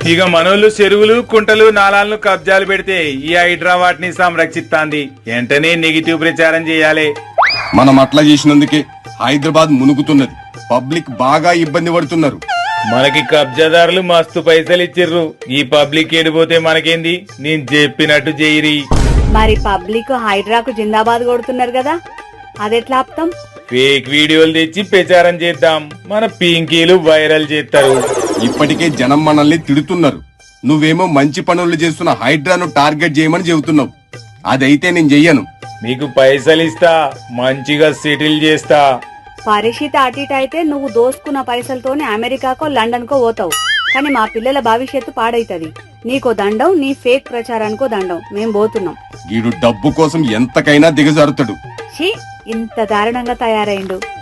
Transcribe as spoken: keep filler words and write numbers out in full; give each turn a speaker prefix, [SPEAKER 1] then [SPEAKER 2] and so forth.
[SPEAKER 1] ఇక మనోళ్ళు చెరువులు కుంటలు నాలాలను కబ్జాలు పెడితే ఈ హైడ్రా వాటిని సంరక్షిస్తాంది. వెంటనే నెగిటివ్ ప్రచారం చేయాలి.
[SPEAKER 2] మనం అట్లా చేసినందుకే హైదరాబాద్ మునుగుతున్నది. పబ్లిక్ బాగా ఇబ్బంది పడుతున్నారు.
[SPEAKER 1] మనకి కబ్జాదారులు మస్తు పైసలు ఇచ్చిర్రు. ఈ పబ్లిక్ ఏడిపోతే మనకేంది? నేను చెప్పినట్టు చేయరి.
[SPEAKER 3] మరి పబ్లిక్ హైడ్రాకు జిందాబాద్ కొడుతున్నారు కదా, అదెట్లా ఆపుతాం?
[SPEAKER 1] ఫేక్ వీడియోలు తెచ్చి ప్రచారం చేద్దాం. మన పింకీలు వైరల్ చేస్తారు.
[SPEAKER 2] ఇప్పటికే జనం మనల్ని తిడుతున్నారు. నువ్వేమో మంచి పనులు చేస్తున్న హైడ్రాను టార్గెట్ చేయమని చెబుతున్నావు. అదైతే నేను చెయ్యను.
[SPEAKER 1] మీకు పైసలు ఇస్తా, మంచిగా సెటిల్ చేస్తా.
[SPEAKER 3] పరిస్థితి అటు ఇటు అయితే నువ్వు దోసుకున్న పైసలతోనే అమెరికాకో లండన్ కో పోతావు. కానీ మా పిల్లల భవిష్యత్తు పాడైతది. నీకో దండం, నీ ఫేక్ ప్రచారానికో దండం. మేం పోతున్నాం.
[SPEAKER 2] వీడు డబ్బు కోసం ఎంతకైనా దిగజారుతాడు.
[SPEAKER 3] ఛీ, ఇంత దారుణంగా తయారైండు.